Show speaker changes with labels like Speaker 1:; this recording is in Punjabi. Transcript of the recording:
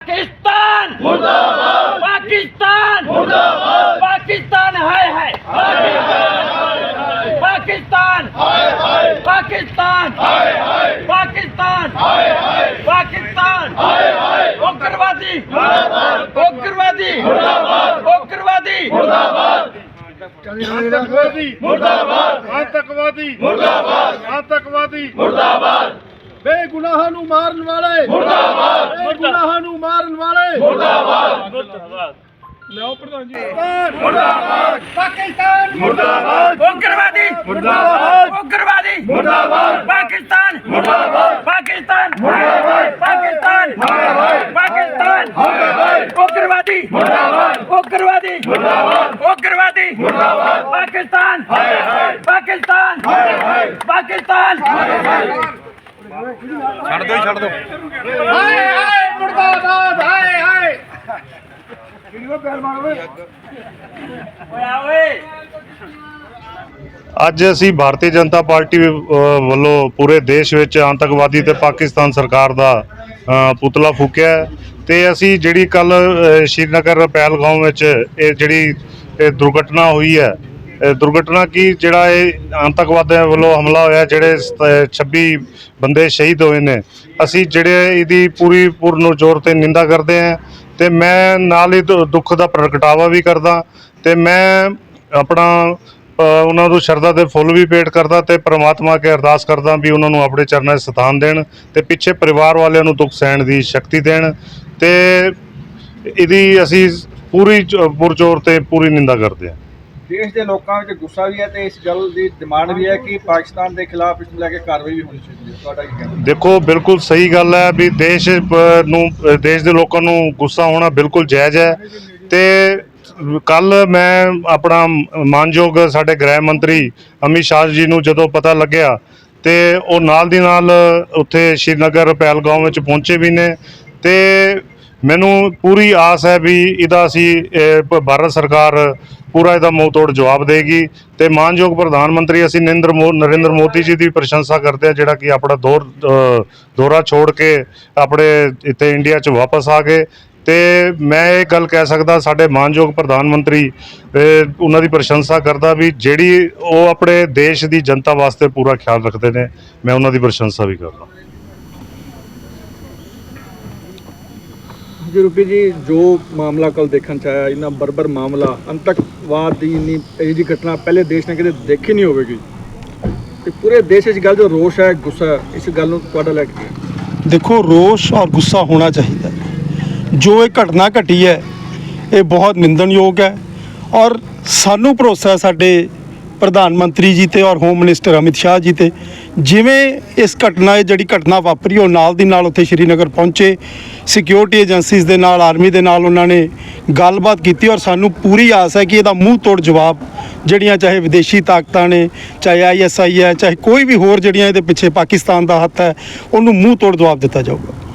Speaker 1: पाकिस्तान मुर्दाबाद, पाकिस्तान मुर्दाबाद, पाकिस्तान हाय पाकिस्तान, पाकिस्तान, पाकिस्तान, पाकिस्तान, उग्रवादी, उग्रवादी, उग्रवादी,
Speaker 2: आतंकवादी मुर्दाबाद, आतंकवादी मुर्दाबाद, आतंकवादी मुर्दाबाद, बेगुनाह नूं मारन वाले मुर्दाबाद, बेगुनाह नूं मारन वाले मुर्दाबाद, मुर्दाबाद। लियाओ प्रधान जी मुर्दाबाद, पाकिस्तान मुर्दाबाद,
Speaker 1: उग्रवादी
Speaker 2: मुर्दाबाद,
Speaker 1: उग्रवादी
Speaker 2: मुर्दाबाद,
Speaker 1: पाकिस्तान
Speaker 2: मुर्दाबाद,
Speaker 1: पाकिस्तान
Speaker 2: मुर्दाबाद,
Speaker 1: पाकिस्तान
Speaker 2: मुर्दाबाद,
Speaker 1: पाकिस्तान
Speaker 2: मुर्दाबाद,
Speaker 1: उग्रवादी
Speaker 2: मुर्दाबाद,
Speaker 1: उग्रवादी
Speaker 2: मुर्दाबाद,
Speaker 1: उग्रवादी
Speaker 2: मुर्दाबाद,
Speaker 1: पाकिस्तान पाकिस्तान पाकिस्तान
Speaker 2: छड़ दो हाय हाय मुर्दाबाद, हाय हाय
Speaker 3: ਅੱਜ ਅਸੀਂ ਭਾਰਤੀ ਜਨਤਾ ਪਾਰਟੀ ਵੱਲੋਂ ਪੂਰੇ ਦੇਸ਼ ਵਿੱਚ ਆਤੰਕਵਾਦੀ ਤੇ ਪਾਕਿਸਤਾਨ ਸਰਕਾਰ ਦਾ ਪੁਤਲਾ ਫੂਕਿਆ ਤੇ ਅਸੀਂ ਜਿਹੜੀ ਕੱਲ ਸ਼੍ਰੀਨਗਰ ਪਹਿਲਗਾਮ ਵਿੱਚ ਇਹ ਜਿਹੜੀ ਦੁਰਘਟਨਾ ਹੋਈ ਹੈ ਦੁਰਘਟਨਾ ਕੀ ਜਿਹੜਾ ਇਹ ਆਤੰਕਵਾਦੀਆਂ ਵੱਲੋਂ ਹਮਲਾ ਹੋਇਆ ਜਿਹੜੇ 26 ਬੰਦੇ ਸ਼ਹੀਦ ਹੋਏ ਨੇ ਅਸੀਂ ਜਿਹੜੇ ਇਹਦੀ ਪੂਰਨ ਜ਼ੋਰ ਤੇ ਨਿੰਦਾ ਕਰਦੇ ਹਾਂ ਤੇ ਮੈਂ ਨਾਲ ਹੀ ਦੁੱਖ ਦਾ ਪ੍ਰਗਟਾਵਾ ਵੀ ਕਰਦਾ ਤੇ ਮੈਂ ਆਪਣਾ ਉਹਨਾਂ ਨੂੰ ਸ਼ਰਧਾ ਦੇ ਫੁੱਲ ਵੀ ਭੇਟ ਕਰਦਾ ਤੇ ਪ੍ਰਮਾਤਮਾ ਅੱਗੇ ਅਰਦਾਸ ਕਰਦਾ ਵੀ ਉਹਨਾਂ ਨੂੰ ਆਪਣੇ ਚਰਨਾਂ 'ਚ ਸਥਾਨ ਦੇਣ ਤੇ ਪਿੱਛੇ ਪਰਿਵਾਰ ਵਾਲਿਆਂ ਨੂੰ ਦੁੱਖ ਸਹਿਣ ਦੀ ਸ਼ਕਤੀ ਦੇਣ ਤੇ ਇਹਦੀ ਅਸੀਂ ਪੁਰਜ਼ੋਰ ਤੇ ਪੂਰੀ ਨਿੰਦਾ ਕਰਦੇ ਹਾਂ।
Speaker 4: ਦੇਸ਼ ਦੇ ਲੋਕਾਂ ਵਿੱਚ ਗੁੱਸਾ ਵੀ ਹੈ ਤੇ ਇਸ ਗੱਲ ਦੀ ਡਿਮਾਂਡ ਵੀ ਹੈ ਕਿ ਪਾਕਿਸਤਾਨ ਦੇ ਖਿਲਾਫ ਇਸ ਨੂੰ ਲੈ ਕੇ ਕਾਰਵਾਈ ਵੀ ਹੋਣੀ ਚਾਹੀਦੀ ਹੈ। ਤੁਹਾਡਾ ਕੀ ਕਹਿਣਾ?
Speaker 3: ਦੇਖੋ ਬਿਲਕੁਲ ਸਹੀ ਗੱਲ ਹੈ ਵੀ ਦੇਸ਼ ਦੇ ਲੋਕਾਂ ਨੂੰ ਗੁੱਸਾ ਹੋਣਾ ਬਿਲਕੁਲ ਜਾਇਜ਼ ਹੈ ਤੇ ਕੱਲ ਮੈਂ ਆਪਣਾ ਮਾਨਯੋਗ ਸਾਡੇ ਗ੍ਰਹਿ ਮੰਤਰੀ ਅਮਿਤ ਸ਼ਾਹ ਜੀ ਨੂੰ ਜਦੋਂ ਪਤਾ ਲੱਗਿਆ ਤੇ ਉਹ ਨਾਲ ਦੀ ਨਾਲ ਉੱਥੇ ਸ਼੍ਰੀਨਗਰ ਪਹਿਲਗਾਮ ਵਿੱਚ ਪਹੁੰਚੇ ਵੀ ਨੇ ਤੇ ਮੈਨੂੰ ਪੂਰੀ ਆਸ ਹੈ ਵੀ ਇਹਦਾ ਅਸੀਂ ਭਾਰਤ ਸਰਕਾਰ ਪੂਰਾ ਇਹਦਾ ਮੂੰਹ ਤੋੜ ਜਵਾਬ ਦੇਗੀ ਤੇ ਮਾਨਯੋਗ ਪ੍ਰਧਾਨ ਮੰਤਰੀ ਅਸੀਂ ਨਰਿੰਦਰ ਮੋਦੀ ਜੀ ਦੀ ਪ੍ਰਸ਼ੰਸਾ ਕਰਦੇ ਹਾਂ ਜਿਹੜਾ ਕਿ ਆਪਣਾ ਦੌਰਾ ਛੋੜ ਕੇ ਆਪਣੇ ਇੱਥੇ ਇੰਡੀਆ 'ਚ ਵਾਪਸ ਆ ਗਏ ਤੇ ਮੈਂ ਇਹ ਗੱਲ ਕਹਿ ਸਕਦਾ ਸਾਡੇ ਮਾਨਯੋਗ ਪ੍ਰਧਾਨ ਮੰਤਰੀ ਉਹਨਾਂ ਦੀ ਪ੍ਰਸ਼ੰਸਾ ਕਰਦਾ ਵੀ ਜਿਹੜੀ ਉਹ ਆਪਣੇ ਦੇਸ਼ ਦੀ ਜਨਤਾ ਵਾਸਤੇ ਪੂਰਾ ਖਿਆਲ ਰੱਖਦੇ ਨੇ ਮੈਂ ਉਹਨਾਂ ਦੀ ਪ੍ਰਸ਼ੰਸਾ ਵੀ ਕਰਦਾ।
Speaker 4: ਜੀ ਰੂਪੀ ਜੀ ਜੋ ਮਾਮਲਾ ਕੱਲ ਦੇਖਣ ਚ ਆਇਆ ਇੰਨਾ ਬਰਬਰ ਮਾਮਲਾ ਆਤੰਕਵਾਦ ਦੀ ਇੰਨੀ ਇਹ ਜਿਹੀ ਘਟਨਾ ਪਹਿਲੇ ਦੇਸ਼ ਨੇ ਕਦੇ ਦੇਖੀ ਨਹੀਂ ਹੋਵੇਗੀ ਤੇ ਪੂਰੇ ਦੇਸ਼ ਵਿੱਚ ਗੱਲ ਜੋ ਰੋਸ਼ ਹੈ ਗੁੱਸਾ ਇਸ ਗੱਲ ਨੂੰ ਤੁਹਾਡਾ ਲੈ ਕੇ
Speaker 5: ਦੇਖੋ ਰੋਸ਼ ਔਰ ਗੁੱਸਾ ਹੋਣਾ ਚਾਹੀਦਾ ਜੋ ਇਹ ਘਟਨਾ ਘਟੀ ਹੈ ਇਹ ਬਹੁਤ ਨਿੰਦਣਯੋਗ ਹੈ ਔਰ ਸਾਨੂੰ ਭਰੋਸਾ ਹੈ ਸਾਡੇ ਪ੍ਰਧਾਨ ਮੰਤਰੀ ਜੀ ਤੇ ਔਰ ਹੋਮ ਮਿਨਿਸਟਰ ਅਮਿਤ ਸ਼ਾਹ ਜੀ ਤੇ ਜਿਵੇਂ ਇਸ ਜਿਹੜੀ ਘਟਨਾ ਵਾਪਰੀ ਉਹ ਨਾਲ ਦੀ ਨਾਲ ਉੱਥੇ ਸ਼੍ਰੀਨਗਰ ਪਹੁੰਚੇ ਸਿਕਿਉਰਿਟੀ ਏਜੰਸੀਜ਼ ਦੇ ਨਾਲ ਆਰਮੀ ਦੇ ਨਾਲ ਉਹਨਾਂ ਨੇ ਗੱਲਬਾਤ ਕੀਤੀ ਔਰ ਸਾਨੂੰ ਪੂਰੀ ਆਸ ਹੈ ਕਿ ਇਹਦਾ ਮੂੰਹ ਤੋੜ ਜਵਾਬ ਜਿਹੜੀਆਂ ਚਾਹੇ ਵਿਦੇਸ਼ੀ ਤਾਕਤਾਂ ਨੇ ਚਾਹੇ ISI ਹੈ ਚਾਹੇ ਕੋਈ ਵੀ ਹੋਰ ਜਿਹੜੀਆਂ ਇਹਦੇ ਪਿੱਛੇ ਪਾਕਿਸਤਾਨ ਦਾ ਹੱਥ ਹੈ ਉਹਨੂੰ ਮੂੰਹ ਤੋੜ ਜਵਾਬ ਦਿੱਤਾ ਜਾਊਗਾ।